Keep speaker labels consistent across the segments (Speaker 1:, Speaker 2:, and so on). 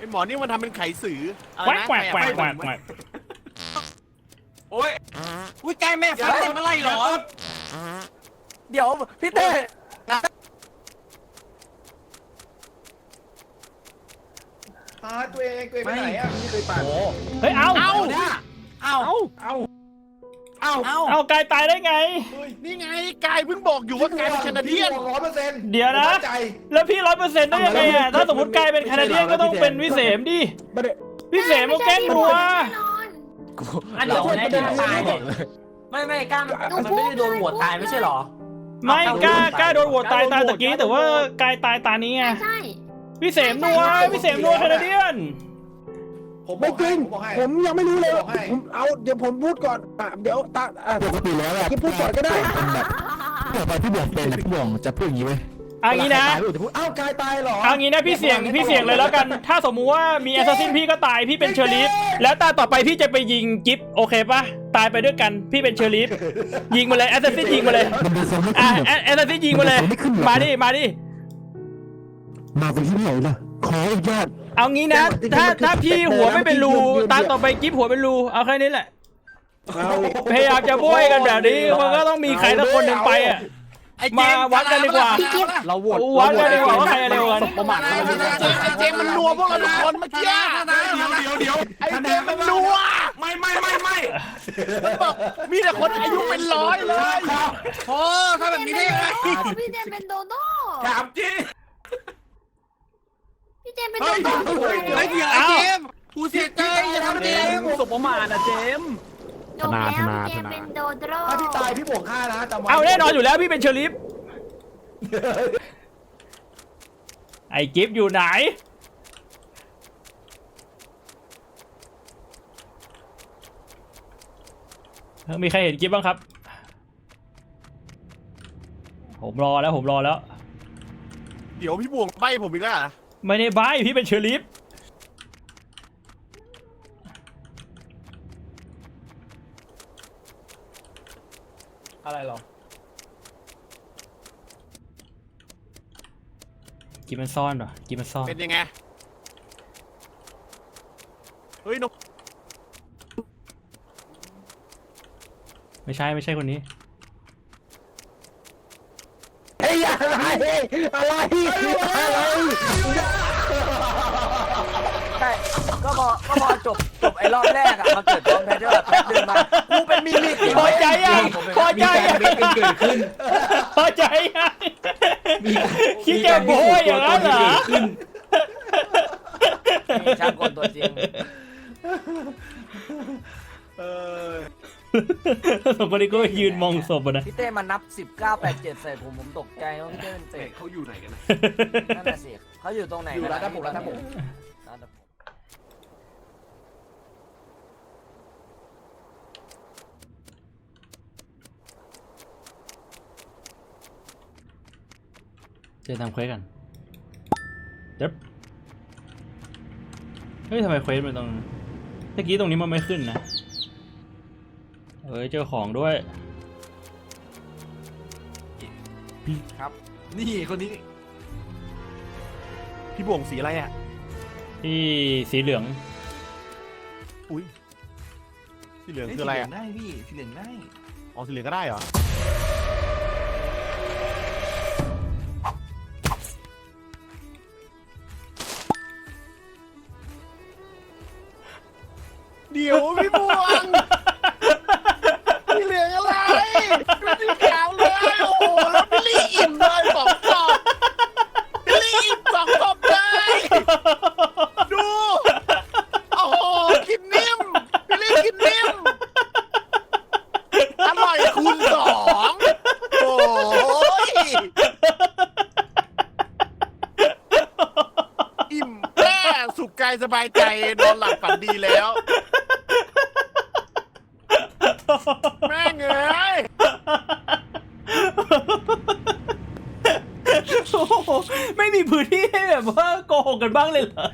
Speaker 1: อ้หมอนี่มันทำเป็นไขสืออะไร
Speaker 2: แหวก
Speaker 1: นะ
Speaker 2: แหวกแหวกแหวกแหวก
Speaker 3: โอ้ยอุ้ยใกล้แม่ฟันเต็มอะไรหรอ
Speaker 4: เดี๋ยวพี่เต้
Speaker 5: ตัวเองไปไหนอ่ะไม่เคยปั่น
Speaker 2: เฮ้ยเอา
Speaker 1: เอา
Speaker 2: เอากายตายได้ไง
Speaker 1: นี่ไงกายเพิ่งบอกอยู่ว่ากายเป็นแคนาเดียน
Speaker 5: 100%
Speaker 2: เดี๋ยวนะ แล้วพี่100%ได้ยังไงอ่ะถ้าสมมติกายเป็นแคนาเดียนก็ต้องเป็นวิเศษดิวิเศษมาแกล้งนัว
Speaker 4: อันเดี๋ยวแน่ๆตายเนี่ยไม่กล้ามันไม่ได้โดนหัวตายไม่ใช่หรอ
Speaker 2: ไม่กล้าโดนโหวตตายตะกี้แต่ว่ากายตายตานี้ไง
Speaker 6: ใช่
Speaker 2: วิเศษนัวแคนาเดียน
Speaker 7: ไม่จริงผมยังไม่รู้เลยผมเอาเดี๋ยวผมพูดก่อนเดี๋ยวปกติแล้วอะที่พูดก่อนก็ได้แบบตอนพี่บวกเป็นพี่บวกจะพูดอย่างนี้ไหม
Speaker 2: เอางี้นะ
Speaker 7: อ้าวกายตายเหรอ
Speaker 2: เอางี้นะพี่เสี่ยงเลยแล้วกัน ถ้าสมมุติว่ามีแอสซัสซินพี่ก็ตายพี่เป็นเชอริฟแล้วตาต่อไปพี่จะไปยิงกิฟโอเคปะตายไปด้วยกันพี่เป็นเชอริฟยิงมาเลยแอสซัสซินยิงมาเลยแอสซัสซินยิงมาเลยมาดิ
Speaker 7: มาเป็นที่ไหนล่ะขออนุญาต
Speaker 2: เอางี้นะถ้าพี่หัวไม่เป็นรูตาต่อไปกิฟหัวเป็นรูเอาแค่นี้แหละพยายามจะโบยกันแบบนี้มันก็ต้องมีใครสักคนหนึ่งไปอ่ะมาวัดกันดีกว่า
Speaker 4: เราโหวต
Speaker 2: วัดกันดีกว่าว่าใครเร็วกัน
Speaker 4: ประมาท
Speaker 1: ไอ้เจมมันนัวพวกเราทุกคนเมื่อกี้
Speaker 3: เดี๋ยว
Speaker 1: ไอ้เจมมันนัว
Speaker 3: ไม่
Speaker 1: มีแต่คนอายุเป็นร้อยเลย
Speaker 3: โอ้ถ้าแบบนี้ได้ยังไง
Speaker 6: พี่เจมเป็นโดโด้
Speaker 3: ถามจริง
Speaker 6: พี่เจมเป็นโดโด้
Speaker 3: ไอ้เหี้ยไอ้เจมกูเสียใจอย่าทำเจม
Speaker 4: สบประมาทนะเจม
Speaker 6: จบแล้วพี่เจมเป็นโดโด้
Speaker 5: ถ้าพี่ตายพี่บวก5นะจำไว้
Speaker 2: เอาแน่นอนอยู่แล้วพี่เป็นเชอริฟไอ้กิฟอยู่ไหนมีใครเห็นกิฟบ้างครับผมรอแล้ว
Speaker 1: เดี๋ยวพี่บวงใบผมอีกแล้ว
Speaker 2: ไม่ได้ใบ้พี่เป็นเชอริฟ
Speaker 4: อะไรหรอ
Speaker 2: กิฟมันซ่อนเหรอกิฟมันซ่อน
Speaker 1: เป็นยังไงเฮ้ยนก
Speaker 2: ไม่ใช่คนนี้
Speaker 7: เฮ้ยอะไร
Speaker 4: ใช่ก็พอจบไอ้รอบแรกอะมาเกิดตอนแพทเทิร์นแป๊บนึงมากูเป็นมิมิก
Speaker 2: พอใจยังพอใจยัง
Speaker 4: เกิดขึ้น
Speaker 2: พอใจยังคิดจะโบยอย่างนั้นเหรอ
Speaker 4: ช่างกลตัวจริง
Speaker 2: สองคนนี้ก็ยืนมองศพนะ
Speaker 4: พี่เต้มันนับ1987ใส่ผมตกใจว่าพี่เต้เป็นเฟก
Speaker 3: เขาอยู่ไหนกันนะ
Speaker 4: นั่นแหละสิเขาอยู่ตรงไหน
Speaker 5: อยู่ร้านน้ำผม
Speaker 2: จะทำเควสกันเด็บเฮ้ยทำไมเควสมันตรงเมื่อกี้ตรงนี้มันไม่ขึ้นนะเฮ้ยเจอของด้วย
Speaker 3: ครับนี่คนนี้
Speaker 1: พี่บวงสีอะไรอ่ะ
Speaker 2: ที่สีเหลือง
Speaker 1: อุ้ยสีเหลืองคืออะไรอ่ะ
Speaker 3: ได้พี่สีเหลืองได้
Speaker 1: อ๋อสีเหลืองก็ได้เหรอเดี๋ยวพี่บวงสีเหลืองอะไรไม่สีขาวเลยโอ้โหแล้วพี่ลี่อิ่มเลย2 ศพพี่ลี่อิ่ม2 ศพเลยดูโอ้โหกินนิ่มพี่ลี่กินนิ่มอร่อยคูณ 2โอ้ยอิ่มแน่สุขกายสบายใจนอนหลับฝันดีแล้วแม่งเอ้ย
Speaker 2: โอ้โหไม่มีพื้นที่ให้แบบว่าโกหกกันบ้างเลยเหรอ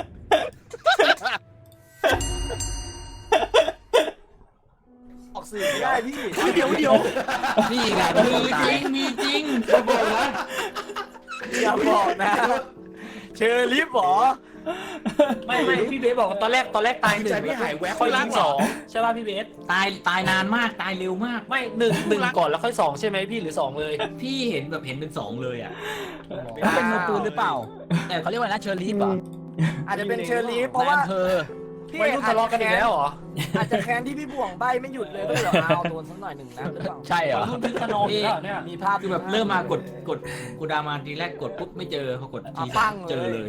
Speaker 4: ออกสื่อไม่ได้พี่
Speaker 1: เดี๋ยว
Speaker 4: นี่ไงมีจริงอย่าบอกนะเชอร์ลิฟหรอไม่พี่เบสบอกว่าตอนแรกตายหนึ่ง
Speaker 5: ใจพี่หายแวบ
Speaker 4: ค่อยยิงสองใช่ป่ะพี่เบส
Speaker 3: ตายนานมากตายเร็วมาก
Speaker 4: ไม่หนึ่งก่อนแล้วค่อยสองใช่ไหมพี่หรือสองเลย
Speaker 3: พี่เห็นแบบเห็นเป็นสองเลยอ่ะ
Speaker 8: เป็นมือปืนหรือเปล่า แต่เขาเรียกว่านะเชอร์ลีฟเหรอ
Speaker 5: อาจจะเป็นเชอรี่เพราะว่า
Speaker 8: ในอำเภอ
Speaker 5: พี่
Speaker 4: ไม่รู้ทะเลาะกันอีกแล้วเหรอ
Speaker 5: อาจจะแค้นที่พี่บ่วงใบไม่หยุดเลยก็เลยเอาโดนสักหน่อยหนึ่งนะหรือเปล่า
Speaker 8: ใช่เหรอ
Speaker 4: รุ่นพี่ขนองอยู่แล้วเนี่ย
Speaker 5: มีภาพ
Speaker 3: คือแบบเริ่มมากดกูดามาทีแรกกดปุ๊บไม่เจอพอกดที
Speaker 5: ปั้ง
Speaker 3: เจอเลย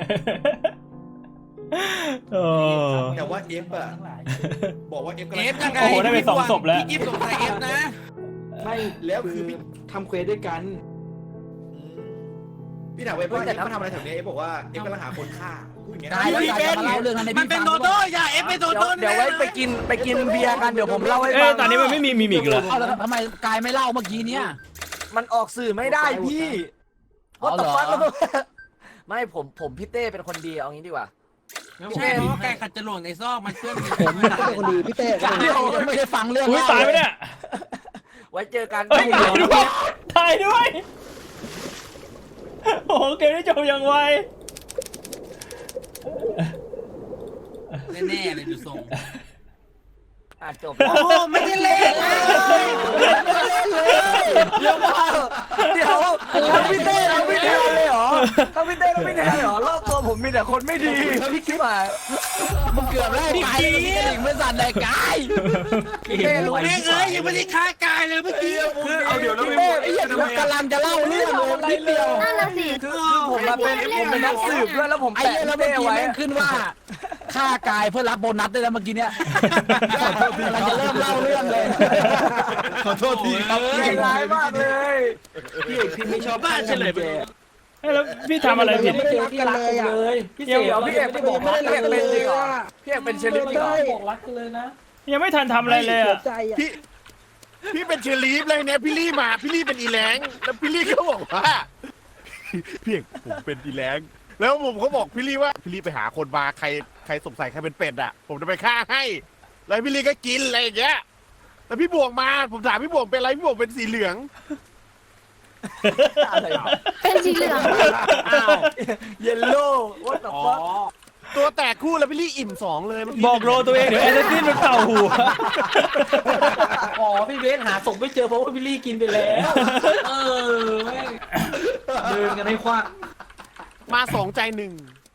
Speaker 2: โอ้
Speaker 5: แต่ว่าเอฟอะบอกว่าเอฟ
Speaker 3: เอฟยังไง
Speaker 2: โอ้โหได้ไปสองศพแล้ว
Speaker 3: พี่กิฟต์สงสัยเอฟนะ
Speaker 5: ไม่แล้วคือพี่ทำเควสด้วยกันพี่ถามเอฟว่าเอฟมาทำอะไรแถวนี้เอฟบอกว่าเอฟกำลังหาคนฆ่าพูดอย่างเงี้ย
Speaker 8: กายแล้วกายจะมาเล่าเรื่องนั้นใน
Speaker 3: มัน
Speaker 8: พี่
Speaker 3: เป็น
Speaker 8: ฟัง
Speaker 3: โดโด้อย่าเอฟเป็นโดโด้
Speaker 5: เดี๋ยวไว้ไปกินเบียร์กันเดี๋ยวผมเล่าให้
Speaker 2: เอ้
Speaker 5: ฟั
Speaker 2: ย
Speaker 5: ง
Speaker 2: ตอนนี้มันไม่มีมิมิกเหรอ
Speaker 8: เอาแล้วทำไมกายไม่เล่าเมื่อกี้เนี่ย
Speaker 5: มันออกสื่อไม่ได้พี่
Speaker 8: อ๋อเหรอ
Speaker 5: ไม่ผมพี่เต้เป็นคนดีเอางี้ดีกว่า
Speaker 3: ไม่ใช่เพราะว่าไก่ขัดจรวดในซอกมันเพื่อน
Speaker 7: ผมเป็นคนดีพี่เต้
Speaker 8: เดี๋ยวไม่ได้ฟังเรื่อง
Speaker 2: อุ้ยตายไปเนี่ย
Speaker 5: ไว้เจอกัน
Speaker 2: เอ้ยตายด้วยตายด้วย โอ้โหเกมนี้จบอย่างไว
Speaker 3: แน่ๆเลยดูทรง
Speaker 5: จบ
Speaker 3: โอ้โหไม่ได้เล่นเลย
Speaker 5: เดี๋ยวพี่เต้เราไม่แทนเลยเหรอถ้าพี่เต้เราไม่แทนเหรอรอบตัวผมมีแต่คนไม่ดีแล้วพี่คิดมา
Speaker 8: มึงเกือบแล้วกายแล้วมีกระดิ่งไม่สั่นเลยกาย
Speaker 5: พี่เต้รู้
Speaker 3: แม่งเอ้ยยังไม่ได้ฆ่ากายเลยเมื่อกี้
Speaker 5: คือเอาเดี๋ยวเรา
Speaker 8: พี่
Speaker 5: ไม่
Speaker 8: เต้ไอ้เหี้ยกำลังจะเล่าเรื่องเลยนิดเดียว
Speaker 6: นั่นแหละสิ
Speaker 5: คือผมเป็นนักสืบด้วยแล้วผม
Speaker 8: ไอ้
Speaker 5: แปะ
Speaker 8: เหี้ยแล้ว
Speaker 5: พี่
Speaker 8: เมื่อ
Speaker 5: เต้
Speaker 8: กี้
Speaker 5: ไว้
Speaker 8: แม่งขึ้นว่าฆ่ากายเพื่อรับโบนัสได้แล้วเมื่อกี้เนี้ยเราจะเริ่มเล่าเรื่องเลย
Speaker 5: ขอโทษทีครับใจร้ายมากเลยพี่ไม่ชอบ
Speaker 3: บ้านเฉลยไป
Speaker 2: เอ้ยแล้วพี่ทำอะไรผิด
Speaker 5: ไม่เจอที่รักเลยพี่เดี๋ยวพี่เอกไม่บอกรักพี่เอกเป็นจริงเหรอพี่เอกเป็นเชลิฟเหรอ
Speaker 4: บอกรักกันเลยนะ
Speaker 2: ยังไม่ทันทำอะไรเลยอะ
Speaker 1: พี่เป็นเชอรีฟเลยเนี่ยพี่ลี่มาพี่ลี่เป็นอีแรงแล้วพี่ลี่ก็บอกว่าพี่เอกผมเป็นอีแรงแล้วผมก็บอกพี่ลี่ว่าพี่ลี่ไปหาคนมาใครสงสัยใครเป็นเป็ดอ่ะผมจะไปฆ่าให้แล้วพี่ลี่ก็กินอะไรอย่างเงี้ยแล้วพี่บวงมาผมถามพี่บวงเป็นอะไรพี่บวงเป็นสีเหลือง
Speaker 6: เป็นสีเหลือง
Speaker 5: อ้าวเยลโล่ว่าแต่ว่า
Speaker 1: ตัวแตกคู่แล้วพี่ลี่อิ่มสองเลยเมื่กี้
Speaker 2: บอกโรตัวเองเดี๋ยวแอสซัสซินมันเป่าหัว
Speaker 4: อ๋อพี่เบสหาศพไม่เจอเพราะว่าพี่ลี่กินไปแล้วแม่งเดินกันให้ควัก
Speaker 1: มาสองใจหนึ่ง